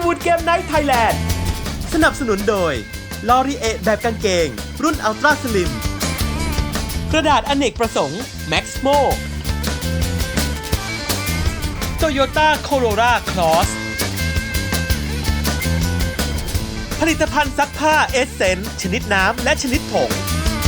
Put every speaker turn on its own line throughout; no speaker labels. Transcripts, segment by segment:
วูดเกมไนท์ไทยแลนด์สนับสนุนโดยลอรีเอแบบกางเกงรุ่นอัลตร้าสลิมกระดาษอเนกประสงค์แม็กซ์โมโตโยต้าโคโรราคลอสผลิตภัณฑ์ซักผ้าเอสเซนชนิดน้ำและชนิดผง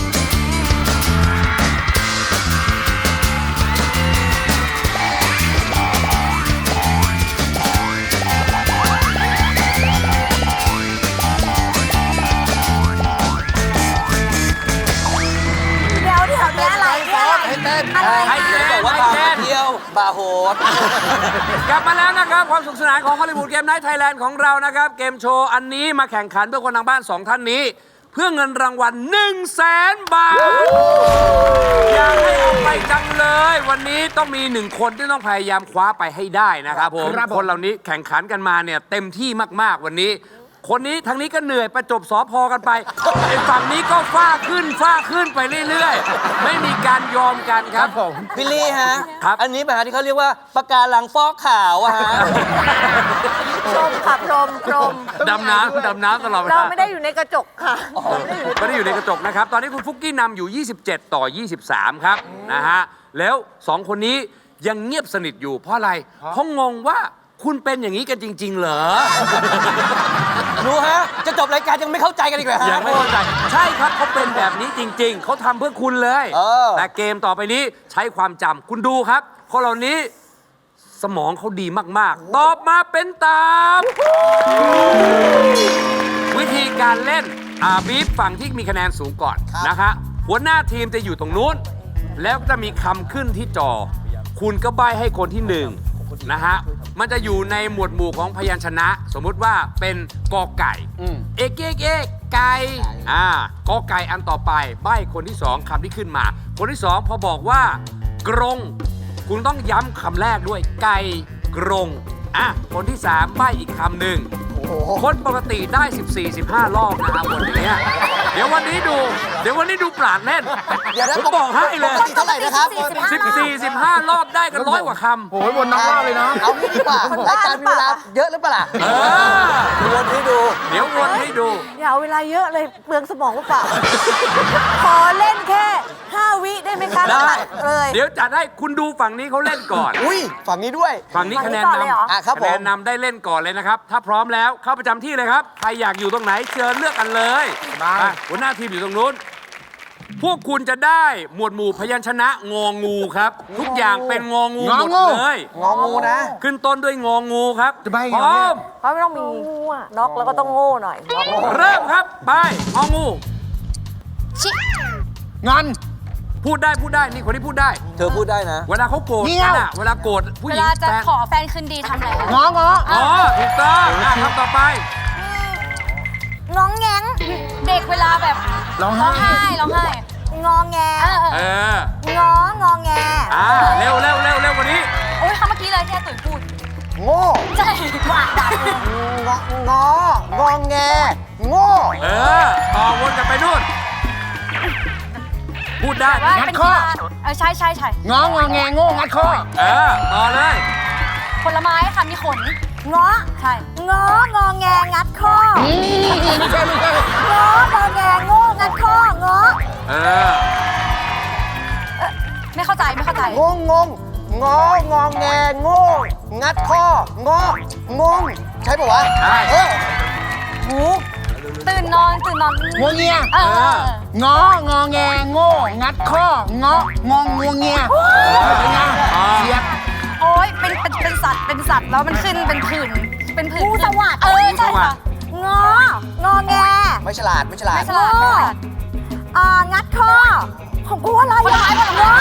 ให้เต้นบอกว่าบาเที่ยวบาโหดกลับมาแล้วนะครับความสนุกสนานของฮอลลีวูดเกมไนท์ไทยแลนด์ของเรานะครับเกมโชว์อันนี้มาแข่งขันเพื่อคนทางบ้าน2ท่านนี้เพื่อเงินรางวัล 100,000 บาทอยากให้เอาไปจังเลยวันนี้ต้องมี1คนที่ต้องพยายามคว้าไปให้ได้นะครับผมคนเหล่านี้แข่งขันกันมาเนี่ยเต็มที่มากๆวันนี้คนนี้ทางนี้ก็เหนื่อยประจบสพกันไปไอ้ฝั่งนี้ก็ฟ้าขึ้นไปเรื่อยๆไม่มีการยอมกันครับผมพี่ลี่ฮะครับอันนี้แบบที่เขาเรียกว่าปะการังฟอกขาวอะฮะ
พรมค่ะพรม
ดำน้ำตลอดเวลา
เราไม่ได้อยู่ในกระจกค่ะ
ไม่ได้อยู่ในกระจกนะครับตอนนี้คุณฟุกกี้นำอยู่27 ต่อ 23ครับนะฮะแล้ว2คนนี้ยังเงียบสนิทอยู่เพราะอะไรเพราะงงว่าคุณเป็นอย่างนี้กันจริงๆเหรอรู้ฮะจะจบรายการยังไม่เข้าใจกันอีกเหรอฮะยังไม่เข้าใจใช่ครับเขาเป็นแบบนี้จริงๆเขาทำเพื่อคุณเลยแต่เกมต่อไปนี้ใช้ความจำคุณดูครับคนเหล่านี้สมองเขาดีมากๆตอบมาเป็นตามวิธีการเล่นบีฟฝั่งที่มีคะแนนสูงก่อนนะคะหัวหน้าทีมจะอยู่ตรงนู้นแล้วจะมีคำขึ้นที่จอคุณก็ใบ้ให้คนที่1นะฮะมันจะอยู่ในหมวดหมู่ของพยัญชนะสมมุติว่าเป็นกอไก่เอกไก่กอไก่อันต่อไปใบ้คนที่2คำที่ขึ้นมาคนที่2พอบอกว่ากรงคุณต้องย้ำคำแรกด้วยไก่กรงคนที่3ใบ้อีกคำหนึ่งคนปกติได้ 14-15 รอบนะครับวันนี้เดี๋ยววันนี้ดูปราดเล่นผมบอกให้เลย
ปกติเท่าไหร่นะครับ
14-15 รอบได้กัน100 กว่าคำ
โอ้ยวนน้ำว่าเลยนะ
เอางี้ดีกว่ารายการมีเวลาเยอะหรือเปล่าวนให้ดู
เดี๋ยววนให้ดู
อย่าเอาเวลาเยอะเลยเปลืองสมองหรือเปล่าขอเล่นแค่5 วิได้ไหมคะ
ได้เลยเดี๋ยวจัดให้คุณดูฝั่งนี้เขาเล่นก่อน
อุ้ยฝั่งนี้ด้วย
ฝั่งนี้คะแนนนำคะแนนนำได้เล่นก่อนเลยนะครับถ้าพร้อมแล้วเข้าประจำที่เลยครับใครอยากอยู่ตรงไหนเชิญเลือกกันเลยหัวหน้าทีมอยู่ตรงนู้นพวกคุณจะได้หมวดหมู่พยัญชนะงองูครับทุกอย่างเป็นงองูหมดเลย
งองูนะ
ขึ้นต้นด้วยงองูครับพร้อม
เพราะไม่ต้องมีน็อกแล้วก็ต้องโง่หน่อย
เริ่มครับไปงองู
งอน
พูดได้นี่คนที่พูดได้
เธอพูดได้นะ
เวลาเขาโกรธกันอะเวลาโกรธผู้หญิง
เวลาจะขอแฟนคืนดีทำอะไร
งอ
ถูกต้องคำต่อไป
ง้องแงง
เด็กเวลาแบบร้องไห้
งอแงงอแง
เร็วกว่านี้
โอ้ยคำเมื่อกี้เลยที่ตุ๋ยพูด
โง่
ใช่
ว่าดัง
งอแงโง่
ต่อวนกันไปนู่นพูดได้
งัดข้อใช่
งอแงโง่งัดข้อ
ต่อเลย
ผลไม้ค่ะมีขน
ง้อ
ใช่
งอแงงัดข้อ
ไม่ใช่
งอแงโง่งัดข้องอ
ไม่เข้าใจ
งอแงโง่งัดข้องงใช่ปะวะ
ใช่
หูตื่นนอน
งัวเงียงแงโง่งัดข้องงัวเงียเป็นไงเสียบ
โอ้ยเป็นสัตว์แล้วมันขึ้นเป็นผื่น
งูสวัสดิ์
ใช่ค่ะ
งอแง
ไม่ฉลาด
งัดข้อของกูอะไร
ผลไม้
ของกู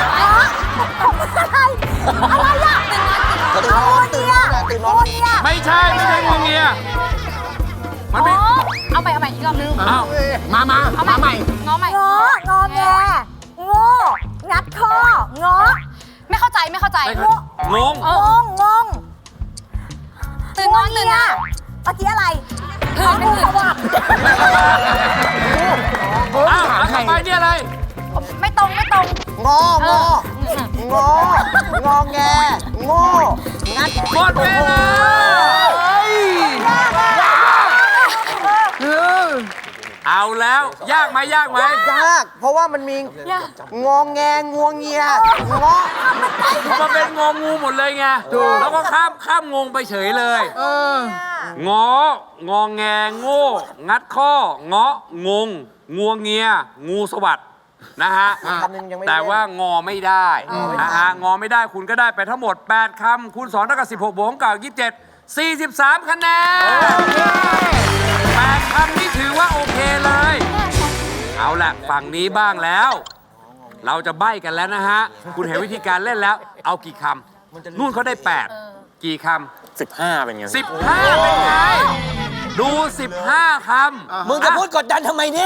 อะไรอะ
ตื่นนอน
ไม่ใช่งูเงียมันไม่
เอาใหม่อีกรอบนึง
มาใหม่
งอ
แงโง่งัดข้องอ
ไม่เข้าใจ
งง
ตื่นนอน
เมื่อกี้อะไร
ผื่น
สวัสดิ์
ต่อไปนี่อะไร
ไม่ตรง
งอแงโง่งัด
หมดเวลาแล้ว ยากไหมยากไหม
ยาก เพราะว่ามันมีงองแงงวงเงียงอ
มันเป็นงองูหมดเลยไงแล้วก็ข้ามงงไปเฉยเลยงองแงโง่งัดข้อเงาะงงงัวเงียงูสวัสดนะฮะ
คำหนึ่งยังไม่
แต่
เล่น
ว่างอไม่ได้นะฮะงอไม่ได้คุณก็ได้ไปทั้งหมด 8 คำคูณ2เท่ากับ16บวกกับ27 43 คะแนน8 คำนี่ถือว่าโอเคเลย เอาละฝั่งนี้บ้างแล้ว เราจะใบ้กันแล้วนะฮะ คุณเห็นวิธีการเล่นแล้ว เอากี่คำนู่นเขาได้ 8 กี่คำ
15 เป็นไง
15 เป็นไง ดู 15 คำ
มึงจะพูดกดดันทำไมเนี่ย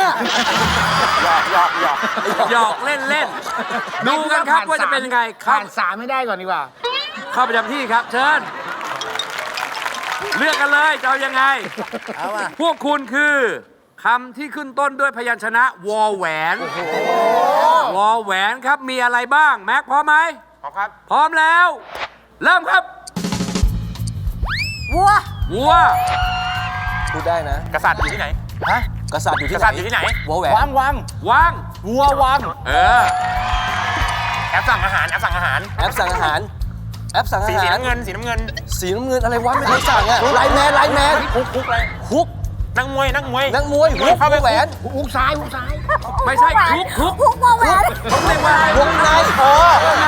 หยอกเล่นๆ ดูกันครับว่าจะเป็นยังไง
ผ่าน3ไม่ได้ก่อนดีกว่า
เข้าประจำที่ครับ เชิญ เลือกกันเลยจะเอายังไง พวกคุณคือคำที่ขึ้นต้นด้วยพยัญชนะวอแหวนวอแหวนครับมีอะไรบ้าง แม็กพร้อมไหมพร้อมครับ พร้อมแล้ว เริ่มครับ
วัว
วัว
พูดได้นะ
กษัตริย์อยู่ที่ไหน ฮะ
กษัตริย์อยู่ที่
กษัตริย์อยู่ที่ไหน
วอแหวน
วัง
วาง
วัววัง
เออ
แอปสั่งอาหาร แอปสั่งอาหาร
แอปสั่งอาหาร แอปสั่งอาหาร
สีน้ำเงิน สีน้ำเงิน
สีน้ำเงินอะไรวะไม่เคยสั่งอะไลน์แมน
คุกอะไร
ฮุก
นักมวย
นักมวยฮุก
เข้าไป
วอแหวน
หุกซ้าย
ไม่ใช่ทุก
พุกวัวแหวน
เขาเรียกว่าว
งใน
วงใน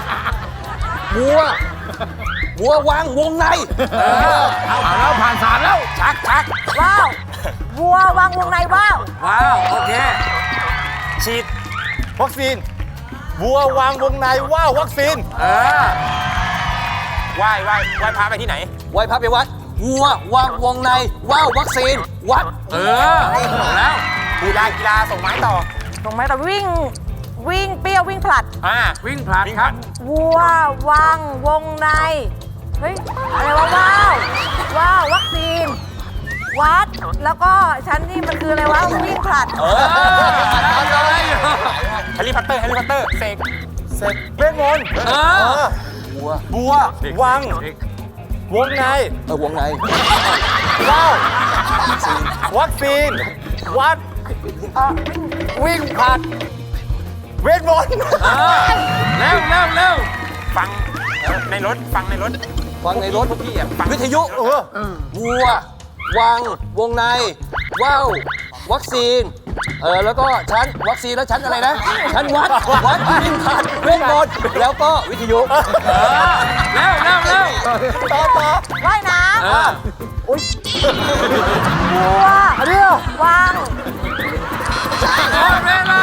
วัววังวงใน
เอาแล้วผ่าน3แล้ว
ชัก
ว้าววัววางวงในว้าว
ว้าว โอเค
ฉีด วัคซีน วัววางวงในว่าววัคซีน
เออ
ไหว้พระไปที่ไหน
ไหว้พระไปวัด วัววังวงในว่าววัคซีน วัด
เออถูกแล้ว
กีฬาส่งไม้ต่อ
ตรงไหมแต่วิ่งเปรี้ยววิ่งผลัด
วิ่งผ่านครับ
วัววางวงใน เฮ้ย อะไรวะว้าววัคซีน วัด แล้วก็ฉันนี่มันคืออะไรวะ วิ่งผลัด
แฮร์รี่พอตเตอร์ เสกเวทมนต์
เออ
บัว วัง วงใน
วงใน
ว้าววัคซีน วัด วิ่งผลัด เวทมนต์
เร็ว
ฟังในรถ
ฟังในรถพี่วิทยุวัววังวงในว่าววัคซีนแล้วก็ชั้นวัคซีนแล้วชั้นอะไรนะชั้นวัดวิ่งผ่านเวทมนต์แล้วก็วิทยุ
เร็ว
ต่อ
ว่ายน้
เออ
ำวัววาง
หมดเวลา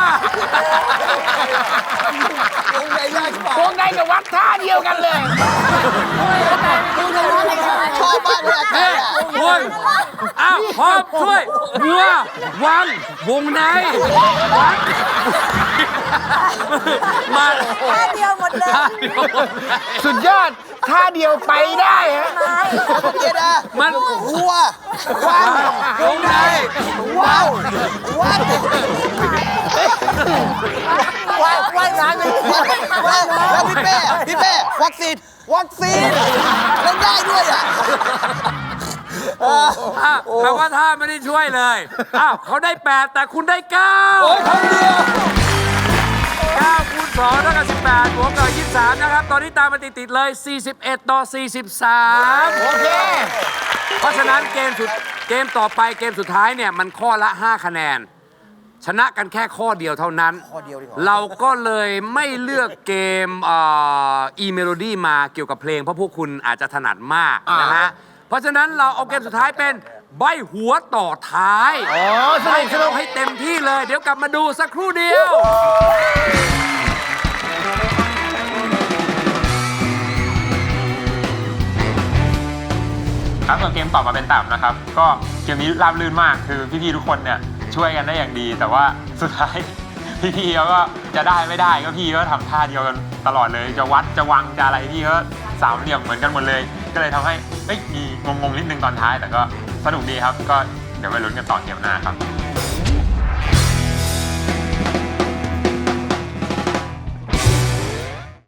วงในได้ใช่ปะ
วงในกับวัดท่าเดียวกันเลย
ชอบมากเลย
เฮ้ยโอ้ยอ้าวพร้อมช่วยวัววังวงในวัดมา
ท่าเดียวหมดเลย
สุดยอดท่าเดียวไปได้ฮะ
เกียร์ดา
มัน
วัววัง
วงใน
ว้าววัด
ว่ายน้ำเลย
แล้วพี่เป้วัคซีนเล่นได้ด้วยอ่ะ
แปลว่าท่าไม่ได้ช่วยเลยอ้าวเขาได้ 8 แต่คุณได้
โอ้ยคนเดียว
9 9คูณ2เท่ากับ18บวกกับ23นะครับตอนนี้ตามมาติดๆเลย 41 ต่อ 43
โอเค
เพราะฉะนั้นเกมต่อไปเกมสุดท้ายเนี่ยมันข้อละ 5 คะแนน ชนะกันแค่ข้อเดียวเท่านั้น เราก็เลยไม่เลือกเกมอีเมโลดี้มาเกี่ยวกับเพลงเพราะพวกคุณอาจจะถนัดมากนะฮะ เพราะฉะนั้นเราเอาเกมสุดท้ายเป็นใบหัวต่อท้ายใบสนุกให้เต็มที่เลย เดี๋ยวกลับมาดูสักครู่เดียว
ครับส่วนเกมตอบมาเป็นต่ำนะครับ ก็เกมนี้ราบรื่นมากคือพี่ๆทุกคนเนี่ยช่วยกันได้อย่างดี แต่ว่าสุดท้าย พี่ๆเขาก็จะได้ไม่ได้ก็พี่ก็ทำท่าเดียวกันตลอดเลยจะวัดจะวังจะอะไรพี่ก็สามเหลี่ยมเหมือนกันหมดเลย ก็เลยทำให้มีงงๆนิดนึงตอนท้าย แต่ก็สนุกดีครับก็เดี๋ยวไปลุ้นกันต่อเกมหน้าครับ